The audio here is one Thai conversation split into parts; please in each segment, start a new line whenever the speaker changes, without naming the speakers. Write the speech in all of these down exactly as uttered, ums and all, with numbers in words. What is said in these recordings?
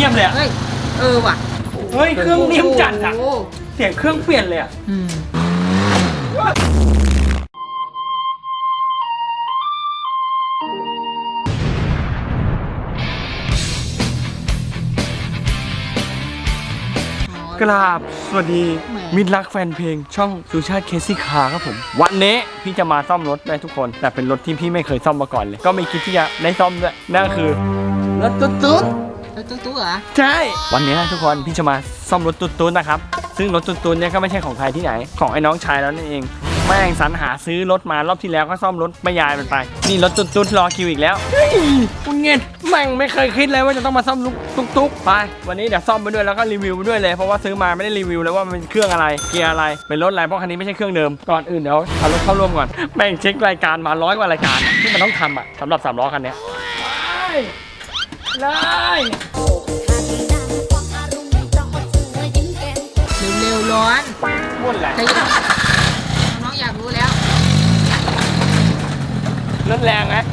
งียบเลยอะ
เฮ้ยเออว่ะ
เฮ้ยเครื่องนิ่มจัดอะเสียงเครื่องเปลี่ยนเลยอะกราบสวัสดีมิตรรักแฟนเพลงช่องสุชาติเคซี่คาร์ครับผมวันนี้พี่จะมาซ่อมรถได้ทุกคนแต่เป็นรถที่พี่ไม่เคยซ่อมมาก่อนเลยก็ไม่คิดที่จะได้ซ่อมด้วยนั่นคือรถตุ๊ดตุ๊ด
รถตุ๊ดตุ๊ดเหรอ
ใช่วันนี้ทุกคนพี่จะมาซ่อมรถตุ๊ดตุ๊ดนะครับซึ่งรถตุ๊ดตุ๊ดเนี่ยก็ไม่ใช่ของใครที่ไหนของไอ้น้องชายแล้วนั่นเองแม่งสรรหาซื้อรถมารอบที่แล้วก็ซ่อมรถไม่ยายมันไปนี่รถตุ๊ดตุ๊ดรอคิวอีกแล้วคุณเงี้ยแม่งไม่เคยคิดเลยว่าจะต้องมาซ่อมตุ๊กตุ๊กไปวันนี้เดี๋ยวซ่อมไปด้วยแล้วก็รีวิวไปด้วยเลยเพราะว่าซื้อมาไม่ได้รีวิวเลยว่ามันเป็นเครื่องอะไรเกียร์อะไรเป็นรถอะไรเพราะคันนี้ไม่ใช่เครื่องเดิมก่อนอื่นเดี๋ยวเอารถเข้าร่วมก่อนแม่งเช็ครายการมาร้อยกว่ารายการที่มันต้องทำอ่ะสำหรับสามล้อคันนี้ได้
เร็วๆร้อน
ม้วนแหละ
น้องอยากรู้แล้ว
รถแรงไหม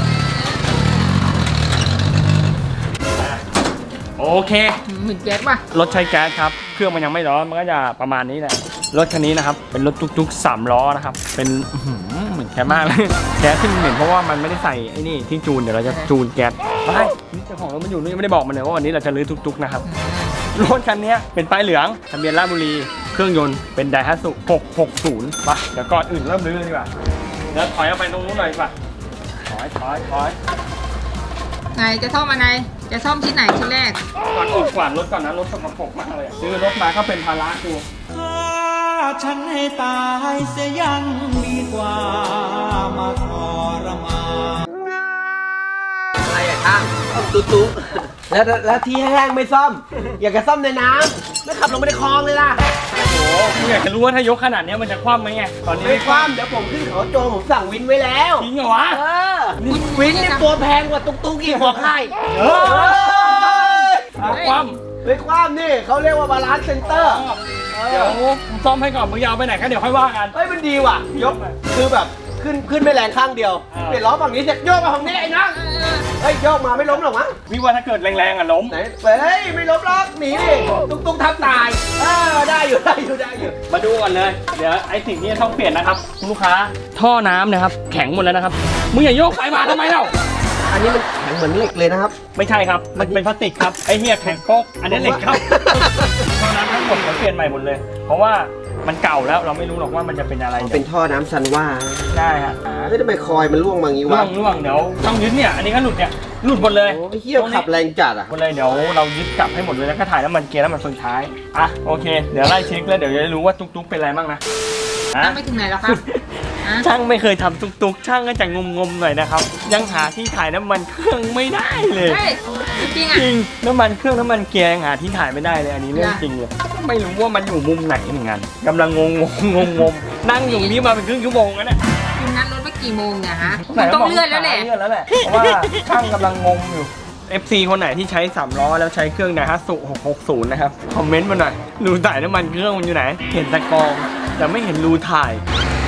โอเค
เหมือนแก๊สป่ะ
รถใช้แก๊สครับเครื่องมันยังไม่ร้อนมันก็จะประมาณนี้แหละรถคันนี้นะครับเป็นรถตุ๊กๆสามล้อนะครับเป็นเหมือนแก๊สมากเลยแก๊สที่มันเหม็นเพราะว่ามันไม่ได้ใส่ไอ้นี่ที่จูนเดี๋ยวเราจะจูนแก๊สไปนี่เจ้าของรถมันอยู่นี่ไม่ได้บอกมันเลยว่าวันนี้เราจะรื้อตุ๊กๆนะครับรถคันนี้เป็นป้ายเหลืองทะเบียนราชบุรีเครื่องยนต์เป็นไดฮัตสุหกหกศูนย์ไปเดี๋ยวก่อนอื่นเริ่มรื้อเลยดีกว่าเดี๋ยวถอยออกไปตรงนู้นหน่อยดีกว่าถอยถอยถอย
ไงจะซ่อมอะไรจะซ่อมชิ้นไหนชิ้นแรก
ก่อนออกกวาดรถก่อนนะรถสกปรกมากเลยซื้อรถมาก็เป็นภาระกู
ฉันให้ตายเสียยังดีกว่ามาทรมาน
อะไรอะช่างตุ๊ตุ๊แล้วแล้วที่แห้งไม่ซ่อมอยากจะซ่อมในน้ำไม่ขับลงไปในคลองเลยล่ะ
โอ้โหกูอยากจะรู้ว่าถ้ายกขนาดนี้มันจะคว่ำไหมไงตอนนี้
ไม่คว่ำเดี๋ยวผมขึ้นเขาโจผมสั่งวินไว้แล้ว
จริงเหรอวะ
เออวินนี่ตัวแพงกว่าตุ๊กตุ๊กอีกหัวไข่
เออคว่
ำไม่คว่ำนี่เขาเรียกว่าบาลานซ์เซ็นเตอร์
เดี๋ยวซ่อมให้ก่อนมึงยาวไปไหนก็เดี๋ยวค่อยว่ากัน
เฮ้ยมันดีว่ะยกคือแบบขึ้นขึ้นไม่แรงข้างเดียวเปลี่ยนล้อฝั่งนี้เสร็จโยกมาฝั่งนี้ไอ้นังเฮ้ยโยกมาไม่ล้มหรอกมั้ง
วิว่าถ้าเกิดแรงๆอ่ะล้ม
ไหนเฮ้ยไม่ล้มหรอกหนีดิตุ๊กตุ๊กทับตายเออได้อยู่ได้อยู่ได้อยู่
มาดูก่อนเลยเดี๋ยวไอ้สิ่งที่ต้องเปลี่ยนนะครับลูกค้าท่อน้ำนะครับแข็งหมดแล้วนะครับมึงอย่าโยกไปมาทำไมเล่า
อันนี้มันแข็งเหมือนเหล็กเลยนะครับ
ไม่ใช่ครับมันเป็นพลาสติกครับไอ้เหี้ยแข็งโป๊กอันนี้เหล็กครับท่อน้ำทั้งหมดเขาเปลี่ยนใหม่หมดเลยเพราะว่ามันเก่าแล้วเราไม่รู้หรอกว่ามันจะเป็นอะไร
เป็นท่อน้ำซันว่า
ได้ฮะ
เฮ้ยทำไมคอยมันร่วงมางี้วะ
ร่วงร่วงเดี๋ยวต้องยึดเนี่ยอันนี้ก็หลุดเนี่ยหลุดหมดเลย
โอ้ยเหี้ยขับแรงจัดอ่ะ
หมดเลยเดี๋ยวเรายึดกลับให้หมดเลยแล้วก็ถ่ายน้ำมันเกียร์น้ำมันส่วนท้ายอ่ะโอเคเดี๋ยวไล่เช็คแล้วเดี๋ยวจะรู้ว่าตุ๊กๆเป็นอะไรบ้างนะ
ช่างไม่ถึงไหนแล้วครับ
ช่างไม่เคยทำตุ๊กๆช่างก็จะงมๆหน่อยนะครับยังหาที่ถ่ายน้ำมันเครื่องไม่ได้เลย
จริงอ่ะ
จริงน้ำมันเครื่องน้ำมันเกียร์ยังหาที่ถ่ายไม่ได้เลยอันนี้เรื่องจริงเลยไม่รู้ว่ามันอยู่มุมไหนเหมือนกันกำลังงงงงงงนั่งอยู่นี้มาเป็นครึ่งชั่วโมงแล้วเนี่ย
คุณนัดรถไปกี่โมงเนี่ยฮะต้องเลื่อนแล้วแหละ
เลื่อนแล้วแหละเพราะว่าช่างกำลังงงอยู่ เอฟ ซี คนไหนที่ใช้สามล้อแล้วใช้เครื่องไดฮัตสุหกหกศูนย์นะครับคอมเมนต์มาหน่อยรูถ่ายน้ำมันเครื่องมันอยู่ไหนเห็นตะกองแต่ไม่เห็นรูถ่าย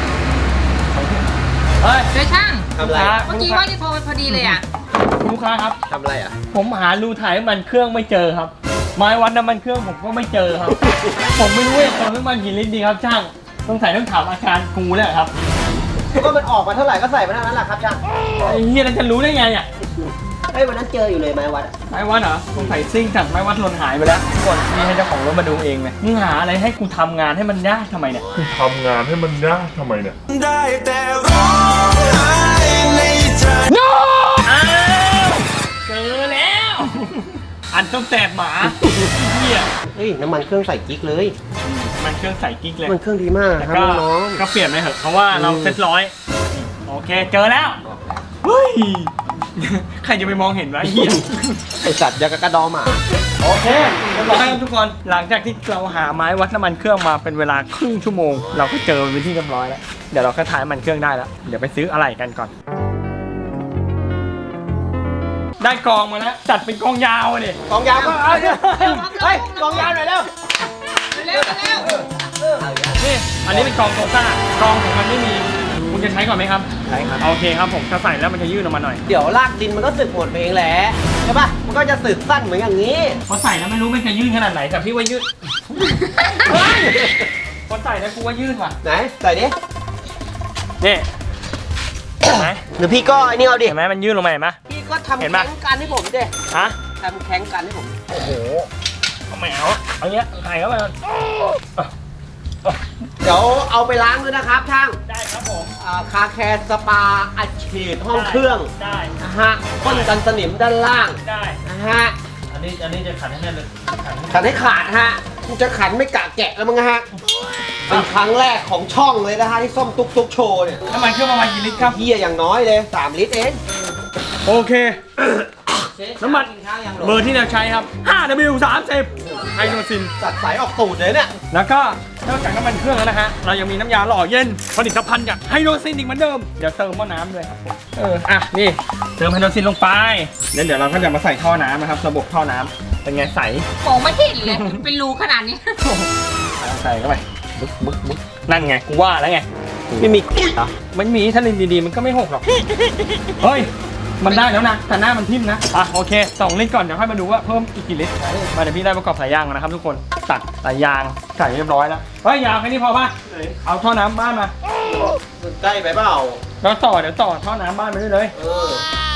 เฮ้ยเดี๋ยวช่างทำอะไรเมื่อกี้ว่าจะโทรไปพอดีเลยอ่ะ
ลูกค้าครับ
ทำอะไรอ่ะ
ผมหารูถ่ายน้ำมันเครื่องไม่เจอครับไม้วัดน้ำมันเครื่องผมก็ไม่เจอครับผมไม่รู้ว่าเติมน้ำมันกี่ลิตรดีครับช่างต้องใส่ต้องถามอาการกูแล้วครับ
ก็มันออกมาเท่าไหร่ก็ใส่มาเท่านั้นแหละครับช่าง
ไอ้เหี้ยเราจะรู้ได้ไงอ่ะ
เฮ้ยวันนั้นเจออยู่เลยไม้วัด
ไม้วัดเหรอสงสัยซิ่งจากไม้วัดหล่นหายไปแล้วกดนี่ให้เจ้าของรถมาดูเองเลยมึงหาอะไรให้กูทำงานให้มันยากทำไมเนี่ย
กูทำงานให้มันยากทำไมเนี่ย
ได้แต่ร้องไห้ในใจ
โน้อ้าวเจอแล้วอันต้องแตกหมาเหี้ย
เฮ้ยน้ำมันเครื่องใส่กิ๊กเลย
มันเครื่องใส่กิ๊กเลย
มันเครื่องดีมากครับน้อง
ก็เปลี่ยนไปเถอะเพราะว่าเราเซ็ตร้อยโอเคเจอแล้วเฮ้ยใครจะไปมองเห็นวะเหี้ย
ไอสัตว์ยากระดอหมา
โอเคเรียบร้อยทุกคนหลังจากที่เราหาไม้วัดน้ำมันเครื่องมาเป็นเวลาครึ่งชั่วโมงเราก็เจอเป็นที่เรียบร้อยแล้วเดี๋ยวเราก็ถ่ายน้ำมันเครื่องได้แล้วเดี๋ยวไปซื้ออะไรกันก่อนได้กองมาแล้วจัดเป็นกองยาวเลย
กองยาวก็เอาเฮ้ยกองยาวหน่อยเร็ว
เร็วเร็ว
นี่อันนี้เป็นกองโซซ่ากองของมันไม่มีคุณจะใช้ก่อนไหมครับ
ใช้ครับ
โอเคครับผมจะใส่แล้วมันจะยืดออกมาหน่อย
เดี๋ยวลากดินมันก็สึกหมดเองแหละ
เอ
ช่ป่ะมันก็จะสึกสั้นเหมือนอย่างนี้
พอใส่แล้วไม่รู้มันจะยืดขนาดไหนแต่พี่ว่ายืดพอใส่แล้วกูว่ายืดว่ะ
ไหนใส่ดิ
นี่เห็นไหม
หรือพี่ก็ไอ้นี่เอาดิ
เห็นไหมมันยืดลงมาเห็นไหม
พี่ก็ทำ
เห็
แข่
นปะ
งกันให้ผมดิ
ฮะ
ทำแข่งกันให้ผม
โอ้โหเอาแมวเอาเงี้ยใส่เข้าไป
เดี๋ยวเอาไปล้างด้วยนะครับช่าง
ได้ครับผม
อ่าคาแคร์สปาอัดฉีดห้องเครื่อง
ได้
นะฮะพ่นกันสนิมด้านล่าง
ได้
นะฮะ
อันนี้อันนี้จะขันให้แน่นเลยขันให้
ขันให้ขาดฮะกูจะขันไม่กะแกะแล้วมั้งฮะเป็นครั้งแรกของช่องเลยนะฮะที่ส้มตุ๊กตุ๊กโชว์เนี่ย
น้ำมันเครื่องประมาณกี่ลิตรครับ
เฮียอย่างน้อยเลยสามลิตรเอง
โอเค น้ำมันเบอร์ที่เราใช้ครับ ห้า ดับเบิลยู สามสิบ ไฮโดรซิน
ตัดสายออกตูดเลยเนี่ย
แล้วก็นอกจากน้ำมันเครื่องแล้วนะฮะ เรายังมีน้ำยาหล่อเย็น ผลิตภัณฑ์จากไฮโดรซินอีกเหมือนเดิม เดี๋ยวเติมหม้อน้ำเลยครับผมเออ อ่ะ นี่ เติมไฮโดรซินลงไปแล้วเดี๋ยวเราก็จะมาใส่ท่อน้ำนะครับ ระบบท่อน้ำเป็นไงใส
มองไม่เห็นเลยเป็นรูขนาดนี้
ใส่เข้าไปบึ๊กบึ๊กบึ๊กนั่นไง กูว่าแล้วไง
ไม่มีเหรอ
มันมีถ้าเล่นดีๆ มันก็ไม่หกหรอก เฮ้ย มันได้แล้วนะ แต่หน้ามันทิ่มนะ อ่ะ โอเคสองลิตรก่อน เดี๋ยวค่อยมาดูว่าเพิ่มอีกกี่ลิตร มาเดี๋ยวพี่ได้ประกอบสายยางก่อนนะครับทุกคน ตัดสายยางใส่เรียบร้อยแล้ว เฮ้ย ยาวแค่นี้พอป่ะ เอาท่อน้ำบ้านมา
ใกล้ไปเปล่า
แล้วต่อ เดี๋ยวต่อท่อน้ำบ้านไปด้วยเลย
เออ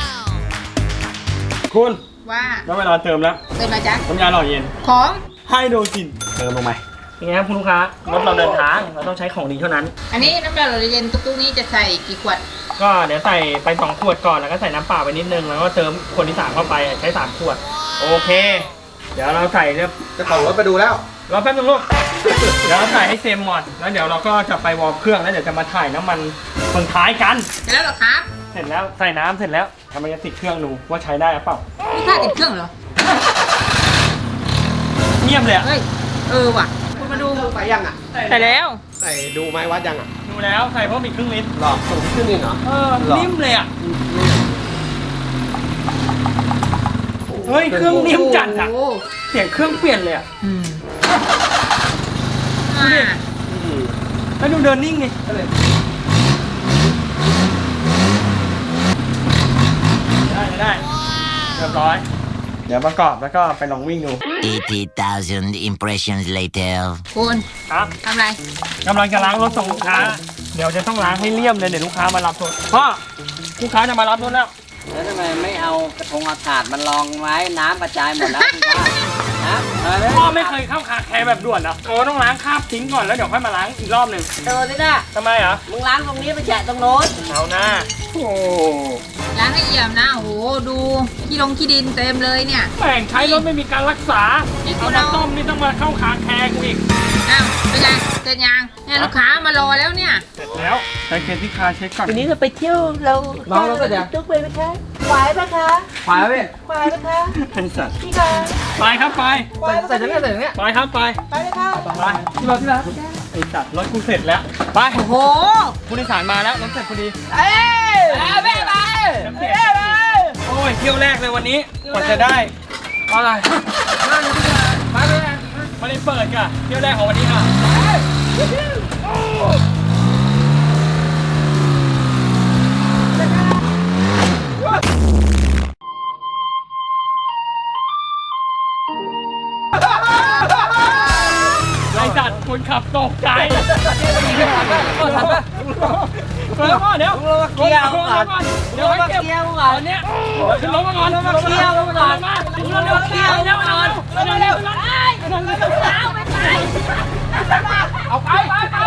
คุณ
ว่า
แล้วเวลาเติมแล้ว
เติมอะไรจ๊ะ
น้ำยาหล่อเย็น
ของ
ไฮโดรซิน
เติมลงไป
ยังไงครับคุณลูกค้ารถเราเดินทาง เราต้องใช้ของดีเท่านั้น
อันนี้น้ำยาหล่อเย็นตุ๊กๆนี้จะใส่กี่ขวด
ก็เดี๋ยวใส่ไปสองขวดก่อนแล้วก็ใส่น้ำเปล่าไปนิดนึงแล้วก็เติมขวดที่สามเข้าไปใช้สามขวดโอเค เดี๋ยวเราใส่เรียบ
เจะของรถไปดูแล้ว
รอแป๊บนึงลูกเดี๋ยวเราใส่ให้เต็มหมดแล้วเดี๋ยวเราก็จะไปวอร์มเครื่องแล้วเดี๋ยวจะมาถ่ายน้ำมันคนท้ายกัน
เสร็จแล้วเหรอครับ
เสร็จแล้วใส่น้ำเสร็จแล้วทำไมจะติดเครื่องดูว่าใช้ได้หรือเปล่า
นี่ค่าติดเครื่องเหรอ
เงียบเลยอะ
เฮ้ย เออว่ะ คุณมาดู
ไปยังอ่ะ
ใส่แล้ว
ใส่ดูไม้วัดยังอ่ะ
ดูแล้วใส่เพิ่มอีกครึ่งลิตร
หลอกส่งขึ้นนี่เหรอ
เออ
หรอ
นิ่มเลยอ่ะเฮ้ยเครื่องนิ่มจัดอ่ะ
โอ้โห
เสียงเครื่องเปลี่ยนเลยอ่ะ
อืมอ่า
แล้วดูเดินนิ่งไงได้ได้เรียบร้อย เดี๋ยวประกอบแล้วก็ไปลองวิ่งดู
eighty thousand impressions later.
คุณ
ครับ
ทำอะไร
กำลังจะล้างรถส่งลูกค้า เดี๋ยวจะต้องล้างให้เลี่ยมเลยเดี๋ยวลูกค้ามารับรถพ่อลูกค้าจะมารับรถแล้ว
แล้วทำไมไม่เอากระทงอากาศมันรองไว้น้ำกระจายหมดแล้วคุณป้านะเออ
พ่อไม่เคยเข้าคาแคร์แบบด่วนเหรอโอ้ต้องล้างคราบทิ้งก่อนแล้วเดี๋ยวค่อยมาล้างอีกรอบหนึ่ง
เจอสินะ
ทำไมเหรอ
มึงล้างตรงนี้ไปแฉะตรงโน้น
เอาหน้าโอ้
ล้างให้เอี่ยมนะ โอ้โห ดูขี้ลงขี้ดินเต็มเลยเนี่ย
แม่งใช้รถไม่มีการรักษา
นี่คุ
เอา
ณ
มา
เอา
ต้มนี่ต้องมาเข้าคาแคร์กูอีก
อ้าวเป็นไงเสร็จยังเนี่ยลูกค้ามารอแล้วเนี่ย
เสร็จแล้วใช้เคสที่คาเช็คก่อน
วันนี้เราไปเที่ยวเรา
น้องเราก็จะ
ตุ๊กไปไหมคะไหวไหมคะ
ไปแล้วพี่
ไหวไหมคะ
เป็นสัตว์
พี่คะ
ไปครับไป
ใส่ตรงนี้ใส่ตรงนี้
ไปครับไป
ไปเลยค่ะ
ไปที่รถที่แล้วไอ้สัตว์รถกูเสร็จแล้วไป
โอ้โห
ผู้โดยสารมาแล้วรถเสร็จพอดี
เอ้ยไปไป
น้ำเสียงโอ้ยเที่ยวแรกเลยวันนี้กว่าจะได้อะไรมาเลยมาเลยเปิดก่ะเที่ยวแรกของวันนี้ค่ะไอ้จัดคนขับตกใจเปิดก่อนเดี๋ยวเกียร์ก่อนเดี๋ยวให้เก็บเกียร์ก่อนเนี้ยขึ้นรถมาก่อนขึ้นรถมาเกียร์ก่อนมาขึ้นรถเร็วเกียร์เร็วก่อนเร็วเร็วเร็วเอาไปไปไป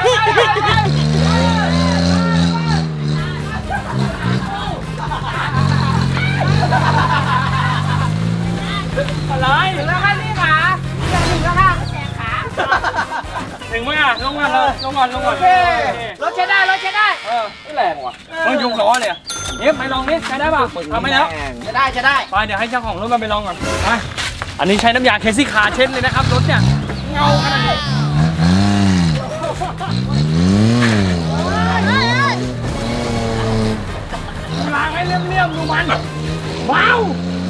อะไรถึงแล้วค่ะพี่ขาถึงแล้วค่ะแขนขาถึงมั้ยอ่ะลงมาเลยลงก่อนลงก่อน
รถใช้ได้รถใช้ได้
เออไม่แรงว่ะต้องยกล้อเลยอะเอ๊ะไปลองดิใช้ได้ป่ะทำไปแล้ว
จะได้จะได้
ไปเดี๋ยวให้เจ้าของรถมาไปลองก่อนไปอันนี้ใช้น้ำยาเคซี่คาร์เช็ดเลยนะครับรถเนี่ยเงาขนาดนี้ล้างให้เลี่ยมๆดูมันว้าว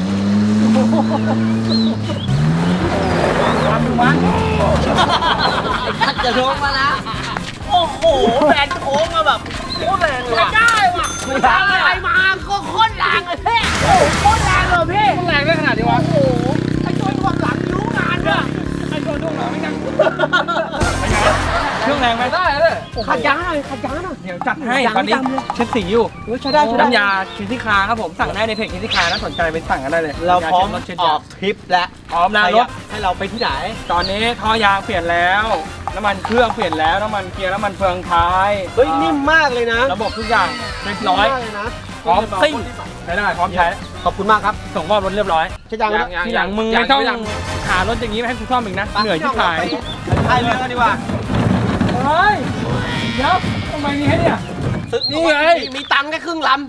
ความดูมัน
ขัดจะลงมาแล้วโอ้โหแรงโค้งมาแบบโคตรแรงเลยได้ว่ะไม่ทำอะไรมาก็โคตรแรงเลยพี่โอ้โหโคตรแรงเลยพี่
แรงได้ขนาด
ขัดยางหน่อยขัดยางหน่อย
เดี๋ยวจัดให้
ยาง
ตอนนี้
ดำเลย
เช็ดสีอยู่
เฮ้ยใช้ได้ใช้ได้
น้ำยาเคซี่คาครับผมสั่งได้ในเพจเคซี่คาถ้าสนใจไปสั่งกันได้เลย
เราพร้อม
น้ำยาเช็ด
อ
รถ
อกทริปแล้ว
พร้อมนะรถ
ให้เราไปที่ไหน
ตอนนี้ท่อยางเปลี่ยนแล้ว น้ำมันเครื่องเปลี่ยนแล้ว น้ำมันเกียร์น้ำมันเฟืองท้าย
เฮ้ยนิ่มมากเลยนะ
ระบบทุกอย่างเรียบร้อย
นิ่มมากเลยนะ
พร้อมซิ่งใช้ได้พร้อมใช้
ขอบคุณมากครับ
ส่งมอบรถเรียบร้อย
ใช้ยางแล้ว
ทีหลังมึงไม่ต้องหารถอย่างนี้มาให้กูซ่อมอีกนะ เหนื่อยที่ขาย
พายเรือกันดีกว่า
เฮ้ยเดี๋ยวทำไมมีให้เนี่ย
ซื้อ
นี่ไง
มีมีตังค์แค่ครึ่งล